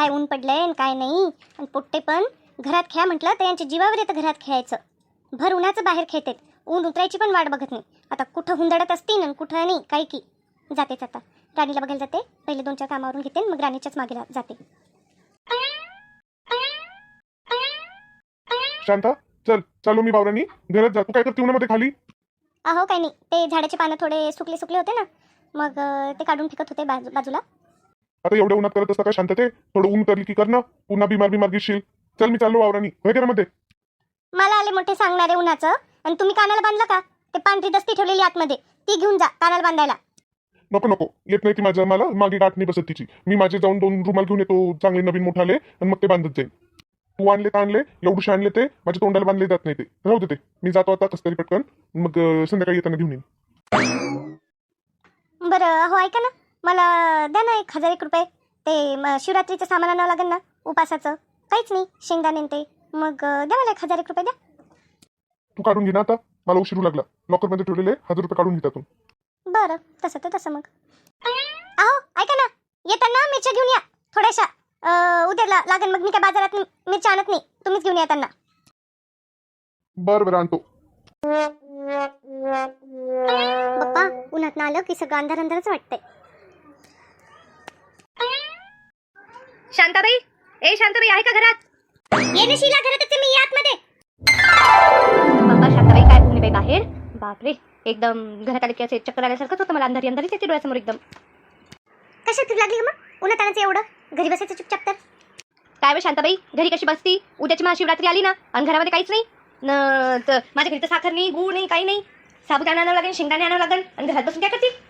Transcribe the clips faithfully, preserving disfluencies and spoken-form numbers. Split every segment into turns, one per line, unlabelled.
काय ऊन पडलंय आणि काय नाही. आणि पोट्टे पण घरात खेळा म्हटलं तर यांच्या जीवावर येतं घरात खेळायचं. भर उन्हाचं बाहेर खेळतात, ऊन उतरायची पण वाट बघत नाही. आता कुठं हुंदडत असतील आणि कुठं नाही काही की. जातेच आता राणीला बघायला जाते, पहिले दोन चार कामावरून घेते मग राणीच्याच मागे जाते.
शांता चल चालू मी बावरानी घरात जा. तू काय करते उन्हामध्ये खाली?
अहो काही नाही, ते झाडाचे पानं थोडे सुकले सुकले होते ना, मग अं, ते काढून फेकत होते बाजू बाजूला.
आता एवढ्या उन्हात करत असता काय शांत? ते थोडं ऊन करली की कर ना, पुन्हा बिमार बिमार घेशील. चल मी चाललो वावरानी, होय घरामध्ये.
मला आले मोठे सांगणारे उन्हाचं, आणि तुम्ही कानाला बांधलं का? ते पांढरी दस्ती ठेवलेली आतमध्ये ती घेऊन जा कानाला बांधायला.
नको नको, येत नाही ती माझ्या, मला मागे गाठ नाही बसत तिची. मी माझे जाऊन दोन रुमाल घेऊन येतो चांगले नवीन मोठाले, आणि मग ते बांधत जाईल. तू आणले तर आणले, एवढूशे आणले ते माझ्या तोंडाला बांधले जात नाही. ते राहू दे, ते मी जातो आता कसं तरी पटकन, मग अं, संध्याकाळी येताना घेऊन येईन.
बरं हो ऐका ना, मला द्या ना एक हजार एक रुपये. ते म, शिवरात्रीचं सामान आणावं लागेल ना उपासाचं. काहीच नाही, शेंगदाणे न ते. मग अं, द्या मला एक हजार एक रुपये द्या.
तू काढून घे ना आता, मला उशीर लागला. लॉकर मध्ये ठेवलेले हजार रुपये काढून घेतात.
बरं तसं तर तसं. मग अहो ऐका ना, येताना मिरच्या घेऊन या थोड्याशा. अं, उद्याला लागेल, मग मी काय बाजारात मिरच्या आणत नाही, तुम्हीच घेऊन या त्यांना.
बरं बरं आणतो.
पप्पा उन्हात आलं की सगळं अंधार अंधारच वाटतंय.
शांताबाई, ए शांताबाई आहे का घरात?
ये ना शीला, घरातच आहे मी, या आतमध्ये.
बाबा शांताबाई काय ऊन आहे बाई बाहेर. बापरे, एकदम घरात आले की असे चक्कर आल्यासारखंच होतं मला. अंधारी अंधारीच येते डोळ्यासमोर एकदम.
कशा फिर लागली का मग उन्हात आणायचं एवढं? घरी बसायचं चुपचाप तर.
काय बे शांताबाई, घरी कशी बसती? उद्याची महाशिवरात्री आली ना, आणि घरामध्ये काहीच नाही न. त- माझ्या घरी तर साखर नाही, गूळ नाही, काही नाही. साबुदाणा आणावं लागेल, शेंगदाणे आणावं लागेल, आणि घरात बसून काय करते?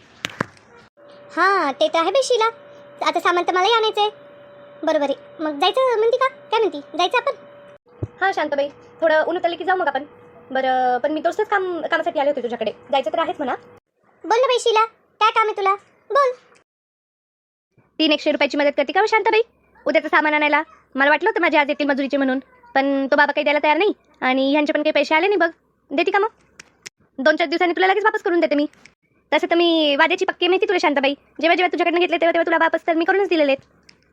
हां ते तर आहे बे शीला, आता सामान तर मलाही आणायचंय. बरोबर आहे, मग जायचं म्हणती का? काय म्हणती, जायचं आपण?
हां शांताबाई, थोडं ऊन उतरलं की जाऊ मग आपण. बरं पण मी तोच काम कामासाठी आले होते तुझ्याकडे. जायचं तर आहेच म्हणा.
बोल ना बाई शीला, काय काम आहे तुला? बोल.
तीन एकशे रुपयाची मदत करते का हो शांताबाई उद्याचं सामान आणायला? मला वाटलं होतं माझ्या आज येतील मजुरीचे म्हणून, पण तो बाबा काही द्यायला तयार नाही, आणि ह्यांचे पण काही पैसे आले नाही. बघ देते का मग? दोन चार दिवसांनी तुला लगेच वापस करून देते मी. तसं तर मी वाद्याची पक्की माहिती तुला शांताबाई. जेव्हा जेव्हा तुझ्याकडनं घेतले तेव्हा तेव्हा तुला वापस तर मी करूनच दिलेले आहेत.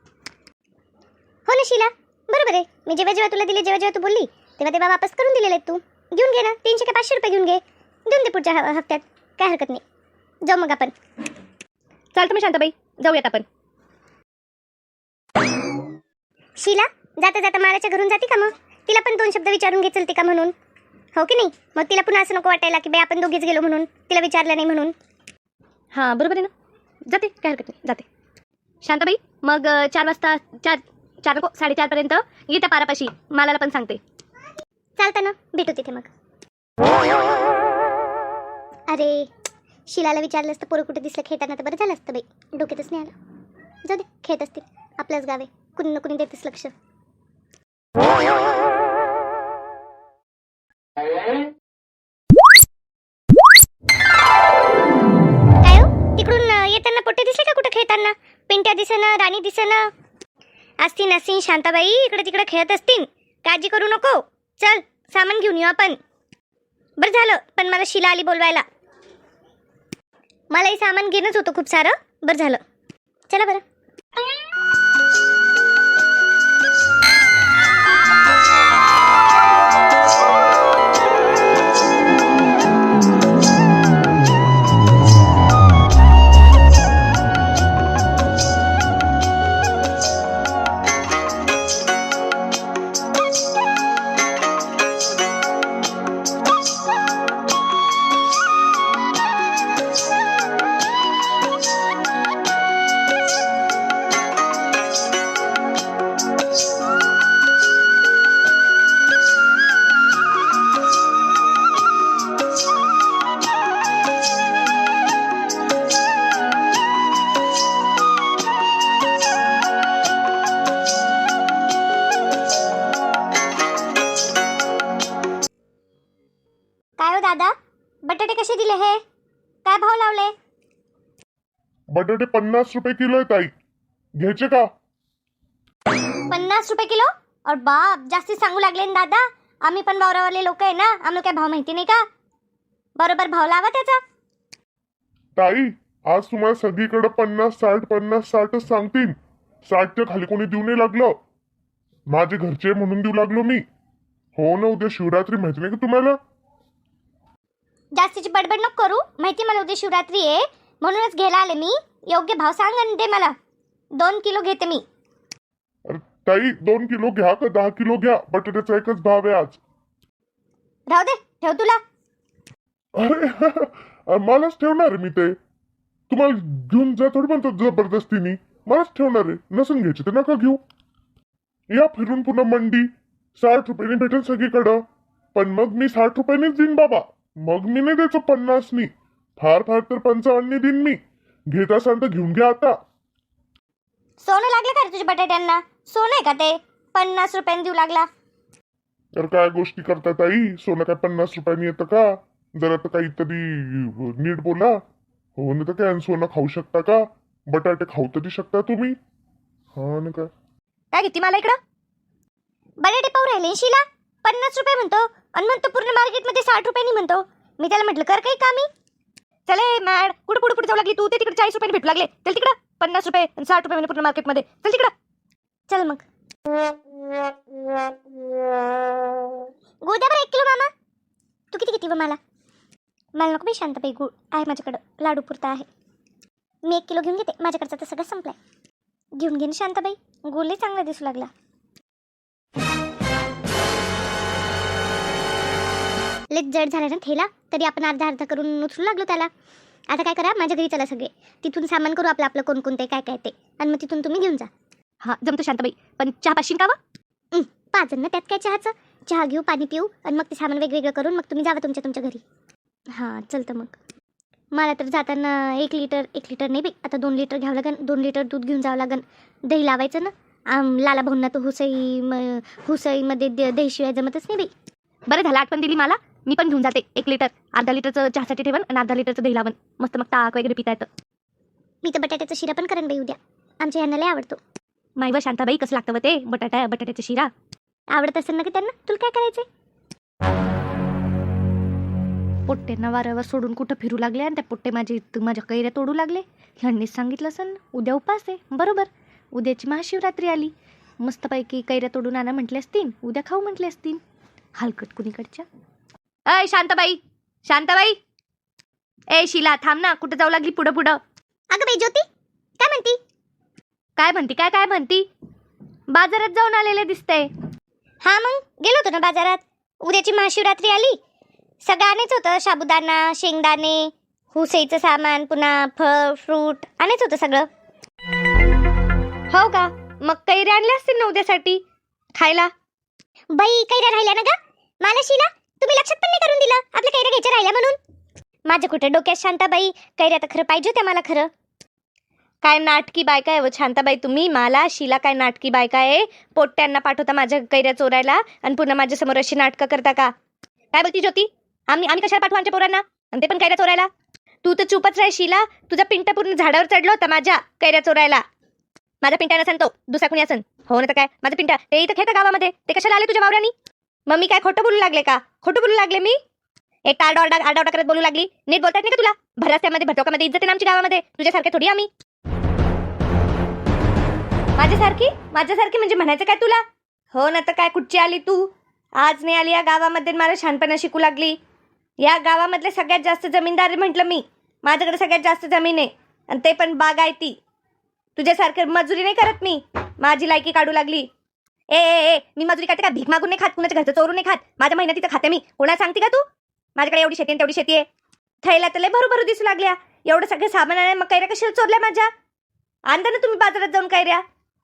हो ना शीला, बरोबर आहे. मी जेव्हा जेव्हा तुला दिले, जेव्हा जेव्हा तू बोलली तेव्हा तेव्हा वापस करून दिलेले आहेत. तू घेऊन घे ना, तीनशे का पाचशे रुपये घेऊन घे, देऊन दे पुढच्या ह- हप्त्यात. काय हरकत नाही, जाऊ मग आपण.
चालतं मग शांताबाई, जाऊयात आपण.
शीला जाता जाता मालाच्या घरून जाते का? मग तिला पण दोन शब्द विचारून घे चलते का म्हणून, हो की नाही? मग तिला पुन्हा असं नको वाटायला की बाई आपण दोघीच गेलो म्हणून, तिला विचारलं नाही म्हणून.
हां बरोबर आहे ना, जाते, काय हरकत नाही, जाते. शांताबाई मग अं, चार वाजता, चार चार नको साडेचारपर्यंत ये त्या पारापाशी. मालाला पण सांगते.
चालतं ना, भेटू तिथे मग. अरे शिलाला विचारलं असतं पोरं कुठे दिसलं खेळताना तर बरं झालं असतं बाई, डोक्यातच नाही आलं. जाऊ दे, खेळत असतील, आपलंच गाव आहे, कुणी ना कुणी देतेच लक्ष. काय हो, तिकडून अं, येताना पोट्टे दिसले का कुठं खेळताना? पिंट्या दिसेना, राणी दिसेना. असतील असतील शांताबाई, इकडे तिकडे खेळत असतील, काळजी करू नको. चल सामान घेऊन येऊ आपण. बरं झालं पण मला शिला आली बोलवायला, मलाही सामान घेणंच होतं खूप सारं. बरं झालं, चला बरं. काय हो दादा, बटाटे कसे दिले? हे काय भाव लावले?
बटाटे पन्नास रुपये किलो आहे ताई, घ्यायचे का?
पन्नास रुपये किलो? और बाप, जास्ती सांगू लागले ना दादा. आम्ही पण वावरावाले लोक आहे ना, आम्हाला काय भाव माहिती नाही का? बरोबर भाव लावा त्याचा.
ताई आज तुम्हाला सगळीकडे पन्नास साठ पन्नास साठच सांगतील. साठच्या खाली कोणी देऊ नाही लागलं. माझे घरचे म्हणून देऊ लागलो मी. हो ना, उद्या शिवरात्री माहिती नाही का तुम्हाला?
जास्तीची बडबड नको करू. माहिती मला उद्या शिवरात्री आहे म्हणूनच घ्यायला आले मी. योग्य भाव सांग आणि दे मला. दोन किलो घेते मी.
अरे ताई, दोन किलो घ्या का दहा किलो घ्या, बटाट्याचा एकच भाव आहे आज.
राहू दे, ठेव तुला.
अरे मलाच ठेवणार आहे मी ते. तुम्हाला घेऊन जा थोडी म्हणतो जबरदस्तीने. मलाच ठेवणार आहे. नसून घ्यायचे तर नका घेऊ. या फिरून पुन्हा मंडी साठ रुपयाने भेटेल सगळीकडं. पण मग मी साठ रुपयानेच देईन बाबा. मग मी नाही द्यायचो पन्नासनी. फार फार तर पंचावन्ननी देईन मी. घेत असाल तर घेऊन घ्या आता.
सोनं लागलं का रे तुझ्या बटाट्यांना? सोनं आहे का ते पन्नास रुपयांनी देऊ लागला?
तर काय गोष्टी करतात आई? सोनं काय पन्नास रुपयांनी येतं का? जरा तर काहीतरी नीट बोला. हो ना, तर काय सोनं खाऊ शकता का? बटाटे खाऊ तरी शकता तुम्ही. हा ना. काय
काय घेते मला इकडं?
बटाटे पाहू राहिले शिला. पन्नास रुपये म्हणतो आणि म्हणतो पूर्ण मार्केटमध्ये साठ रुपयांनी म्हणतो. मी त्याला म्हटलं कर काही कामी.
चले मॅड, कुठं पुढे पुढे जाऊ लागली तू? ते तिकडे चाळीस रुपयाने भेटू लागले. चल तिकडं. पन्नास रुपये आणि साठ रुपये पूर्ण मार्केटमध्ये. चल तिकडं.
चल मग. गुळ द्या बरं एक किलो मामा. तू किती किती व मला? मला नको बाई शांताबाई, गुळ आहे माझ्याकडं. लाडू पुरता आहे. मी एक किलो घेऊन घेते. माझ्याकडचा तर सगळं संपलाय. घेऊन घे ना शांताबाई. गुळही चांगला दिसू लागला. लेच जड झाला ना थेला, तरी आपण अर्धा अर्धा करून उचलू लागलो त्याला. आता काय करा, माझ्या घरी चला सगळे. तिथून सामान करू आपलं आपलं कोणकोणते काय काय ते. आणि मग तिथून तुम्ही घेऊन जा.
हा जमतो शांताबाई. पण चहा पाशीन का वा?
पाच जण ना, त्यात काय चहाचं. चहा घेऊ, पाणी पिऊ आणि मग ते सामान वेगवेगळं करून मग तुम्ही जावा तुमच्या तुमच्या घरी. हां चलतं मग. मला तर जाताना एक लिटर एक लिटर नाही बाई, आता दोन लिटर घ्यावं लागन. दोन लिटर दूध घेऊन जावं लागन. दही लावायचं ना. आम लाला भाऊंना तर हुसई म हुसईमध्ये द दहीशिवाय जमतच नाही बाई.
बरं झालं आठवण दिली मला. मी पण घेऊन जाते एक लिटर. अर्धा लिटरचं चहासाठी ठेवन आणि अर्धा लिटरचं दही लावन. मस्त मग ताक वगैरे पिता येतं.
मी तर बटाट्याचा शिरा पण करेन बाई उद्या. आमच्या यांना लय आवडतो.
मायवर शांताबाई कसं लागतं व ते बटाटा बटाट्याचा शिरा?
आवडत असेल ना की त्यांना. तुला काय करायचंय?
पोट्ट्यांना वाऱ्यावर सोडून कुठं फिरू लागले आणि त्या पोट्टे माझे माझ्या कैऱ्या तोडू लागले. ह्यांनीच सांगितलं असेल ना उद्या उपास आहे. बरोबर, उद्याची महाशिवरात्री आली. मस्तपैकी कैऱ्या तोडून आणा म्हटले असतील, उद्या खाऊ म्हटले असतील. हलकट कुणीकडच्या. अय शांताबाई, शांताबाई. ए शिला थांब ना, कुठं जाऊ लागली पुढं पुढं?
अगं बाई ज्योती, काय म्हणती?
काय म्हणती काय काय म्हणती? बाजारात जाऊन आलेले दिसतंय.
हा मग गेलो होतो ना बाजारात. उद्याची महाशिवरात्री आली. सगळं आणायचं होतं. साबुदाणा, शेंगदाणे, हुसईचं सामान, पुन्हा फळ फ्रूट आणायचं होतं सगळं.
हो का? मग कैऱ्या आणल्या असतील ना उद्यासाठी खायला?
बाई कैऱ्या राहिल्या ना ग. मला शिला तुम्ही लक्षात पण नाही करून दिलं आपल्या कैऱ्या घ्यायच्या राहिल्या म्हणून. माझ्या कुठे डोक्यात शांताबाई. कैऱ्या तर खरं पाहिजे होत्या मला. खरं
काय नाटकी बायका आहे व शांताबाई तुम्ही? मला शिला काय नाटकी बायका आहे? पोट्ट्यांना पाठवता माझ्या कैऱ्या चोरायला आणि पुन्हा माझ्यासमोर अशी नाटकं करता का? काय बोलती ज्योती? आम्ही आम्ही कशाला पाठवू आमच्या पोरांना आणि ते पण कैऱ्या चोरायला? तू तर चुपच राह शिला. तुझा पिंटा पूर्ण झाडावर चढला होता माझ्या कैऱ्या चोरायला. माझा पिंटा नसन तो, दुसरा कुणी असन. हो ना तर काय, माझा पिंटा ते इथं खेळतं गावामध्ये. ते कशाला आले तुझ्या वावरानी? मग मी काय खोटं बोलू लागले का? खोटं बोलू लागले मी? एक आरडा आरडा आरडा करत बोलू लागली. नीट बोलतात नाही का तुला? भरास्यामध्ये भटोकामध्ये इज्जत आहे ना आमच्या गावामध्ये. तुझ्यासारखे थोडी आम्ही. माझ्यासारखी माझ्यासारखी म्हणजे म्हणायचं काय तुला? हो ना तर काय, कुठची आली तू? आज नाही आली या गावामध्ये मला शहाणपणा शिकू लागली. या गावामधले सगळ्यात जास्त जमीनदार म्हटलं मी. माझ्याकडे सगळ्यात जास्त जमीन आहे आणि ते पण बागायती. तुझ्यासारखं मजुरी नाही करत मी. माझी लायकी काढू लागली. ए ए ए मी मजुरी करते का? भीक मागून नाही खात, कुणाच्या घरचं चोरून नाही खात. माझ्या महिन्यात तिथं खाते मी. कोणाला सांगते का तू? माझ्याकडे एवढी शेती आहे तेवढी शेती आहे. थैला तर लय भरू दिसू लागल्या. एवढं सगळं सामान आहे मग कैऱ्या कशाला चोरल्या माझ्या? आणता ना तुम्ही बाजारात जाऊन कैऱ्या.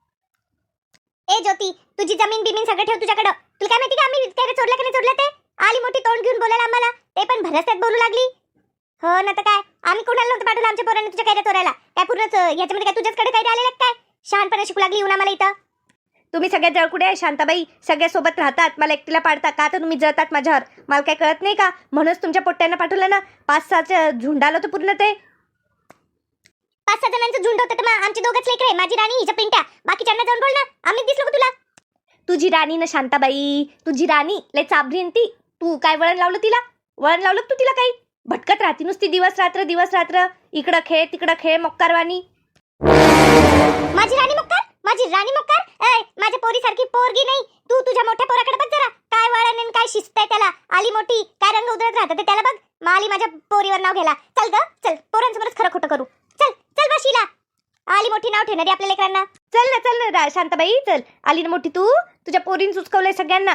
ए ज्योती, तुझी जमीन बिमीन सगळं ठेव तुझ्याकडं. तुला काय माहिती का आम्ही कैऱ्या चोरल्या का नाही चोरल्या ते? आली मोठी तोंड घेऊन बोलायला आम्हाला. ते पण भरस्यात बोलू लागली. हो ना तर काय, आम्ही कोणाला नव्हतं पाठवलं आमच्या पोरांनी तुझ्या कैऱ्या चोरायला. काय पूर्णच याच्यामध्ये काय तुझ्याचकडे कैऱ्या आलेल्या काय? शहाणपणा शिकू लागली येऊन आम्हाला इथं.
तुम्ही सगळ्या जळकुडे आहे शांताबाई. सगळ्या सोबत राहतात, मला एकटीला पाडता का? तर तुम्ही जळतात माझ्यावर. मला काय कळत नाही का? म्हणूनच तुमच्या पोट्ट्यांना पाठवलं ना. पाच सहाचं झुंड आलं होतं पूर्ण. ते
पाच सहा जणांचं झुंड होतं तर मग आमची दोघंच लेकरं, माझी राणी हिच्या पिंट्या. बाकीच्यांना जाऊन बोल ना. आम्हीच दिसलो का तुला?
तुझी राणी ना शांताबाई, तुझी राणी लय चाबरी ती. तू काय वळण लावलं तिला? वळण लावलं तू तिला? काही भटकत राहती नुसती दिवस रात्र दिवस रात्र. इकडं खेळ तिकडं खेळ मोक्कारवाणी.
माझी राणी मोक्कार? माझी राणी मक्कार ऐ माझ्या पोरीसारखी पोरगी नाही तू तुझ्या मोठ्या पोराकडे बघ जरा काय वळण आणि काय शिस्त आहे त्याला आली मोठी काय रंग उधळत राहतं ते त्याला बघ माली माझ्या पोरीवर नाव घ्यायला चल ग चल पोरांसमोरच खरं खोटं करू चल चल बशीला आली मोठी नाव ठेवणारी आपल्या लेकरांना
चल ना चल ना रा- शांताबाई चल आली ना मोठी तू तुझ्या पोरीन सुचकवलंय सगळ्यांना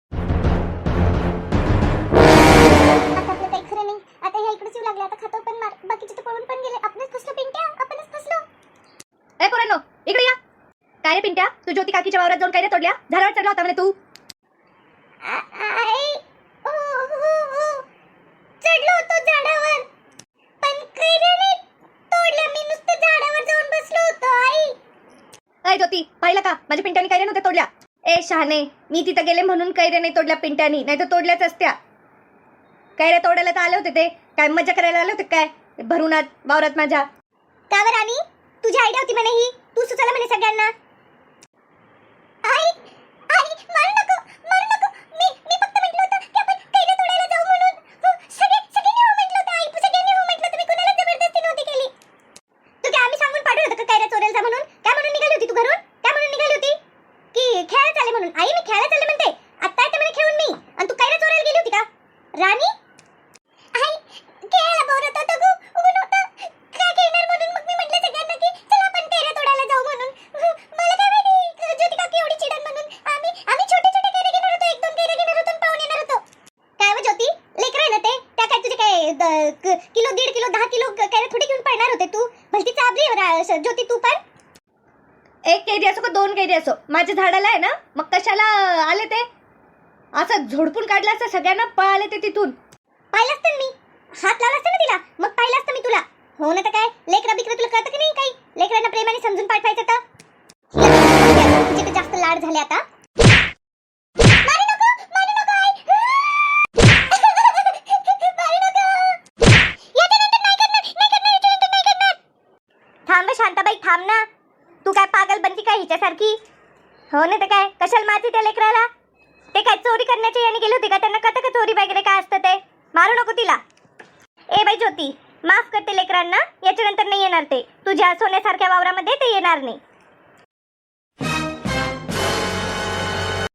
आता आपलं काही खरं नाही आता ह्या इकडेच येऊ लागले आता खातो पण मार बाकीचे तर पळून पण गेले आपणच फसलो पिंट्या आपणच फसलो
ए पोरांनो इकडे या काय रे पिंट्या तू ज्योती काकीच्या वावरात जाऊन काय रे तोडल्या झाडावर चढला होता म्हणे तू
आई ओ हो हो चढलो होतो झाडावर पण कैऱ्याने तोडलं मी नुसतं झाडावर जाऊन बसलो होतो आई
ए ज्योती पाहिलं का माझ्या पिंट्याने कैऱ्या नव्हत्या तोडल्या ए शहाणे मी तिथं गेले म्हणून कैऱ्या नाही तोडल्या पिंट्यानी नाही तर तोडल्याच असत्या कैऱ्या तोडायला तर आले होते ते काय मजा करायला आले होते काय भरून आत वावरात माझ्या
का बरं राणी तुझी आयडिया होती म्हणे ही तू सुचवलं म्हणे सगळ्यांना आई आई मारू नको मारू नको मी मी फक्त म्हटलं होतं की आपण कैऱ्या तोडायला जाऊ म्हणून हो, सगळे सगळ्यांनी हो म्हटलं होतं आई सगळ्यांनी हो म्हटलं तुम्ही कोणाला जबरदस्ती नव्हती केली तू काय आम्ही सांगून पाठवलं होतं का कैऱ्या चोरायला जा म्हणून काय म्हणून निघाली होती तू घरून काय म्हणून निघाली होती की खेळायला चालले म्हणून आई मी खेळायला चालले म्हणते आता येते म्हणे खेळून मी आणि तू कैऱ्या चोरायला गेली होती का राणी आई खेळायला बोलत होतं गो ऊन होतं काय खेळणार म्हणून मग मी म्हटलं सगळ्यांना की चला आपण कैऱ्या तोडायला जाऊ म्हणून मला काय माहिती ज्योती काकी एवढी चिडण म्हणून आम्ही आम्ही छोटे छोटे कैऱ्या घेणार होतो एक दोन कैऱ्या घेणार होतो आणि पाहून येणार होतो काय व ज्योती लेकर आहे ना ते त्या काय तुझे काय द- क- किलो दीड किलो दहा किलो कैऱ्या थोडी घेऊन पळणार होते तू भलती चाबरी आहे रा- ज्योती तू पण
एक कैरी असो का दोन कैरी असो माझ्या झाडाला आहे ना मग कशाला आले ते असं झोडपून काढलं असतं सगळ्यांना पळाले ते तिथून
पाहिलं असतं मी हात लावला असतं ना तिला मग पाहिलं असतं मी तुला हो ना तर काय लेकरा बिकरा तुला कळतं की नाही काही लेकरांना प्रेमाने समजून पाठवायचं तर तुझे तर जास्त लाड झाले आता मारू नको, मारू नको आई. मारू नको. याच्यानंतर नाही करणार, नाही करणार, याच्यानंतर नाही करणार. थांब शांताबाई थांब ना तू काय पागल बनती काय हिच्यासारखी हो ना तर काय कशाला मारती त्या लेकराला ते काय चोरी करण्याचे याने गेले होते का त्यांना कळतं का चोरी वगैरे काय असतं ते मारू नको तिला ए बाई ज्योती माफ करते लेकरांना याच्यानंतर नाही येणार ते तुझ्या सोन्यासारख्या वावरामध्ये ते येणार नाही